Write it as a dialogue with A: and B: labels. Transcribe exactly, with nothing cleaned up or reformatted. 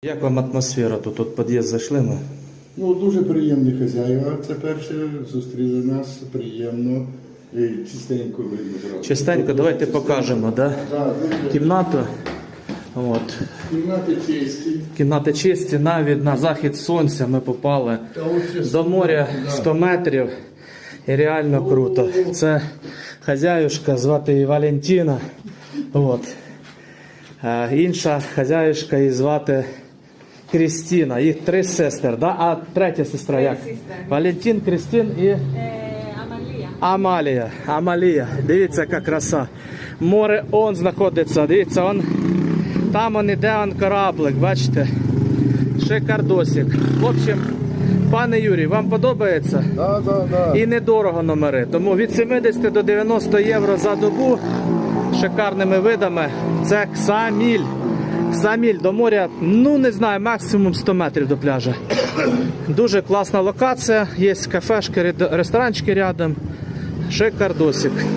A: Як вам атмосфера тут? От під'їзд зайшли ми.
B: Ну, дуже приємні хазяїва. Це перше, зустріли нас приємно і чистенько видно. Брат.
A: Чистенько, давайте покажемо, да?
B: Так, дуже.
A: Кімнату. От.
B: Кімнати чисті.
A: Кімнати чисті, навіть на захід сонця ми попали.
B: Та ось ще
A: До моря
B: да.
A: сто метрів. І реально круто. Це хазяюшка, звати її Валентина. От. А інша хазяюшка її звати Крістіна. Їх три сестер, да? А третя сестра як? Валентин, Крістін і
C: Амалія.
A: Амалія. Амалія. Дивіться, яка краса. Море он знаходиться. Дивіться, он. Там он іде он кораблик, бачите? Шикардосик. В общем, пане Юрій, вам подобається?
B: Да, да, да.
A: І недорого номери. Тому від сімдесят до дев'яноста євро за добу шикарними видами. Це Ксаміль. Ксаміль до моря, ну не знаю, максимум сто метрів до пляжа. Дуже класна локація. Є кафешки, ресторанчики рядом. Шикардосик.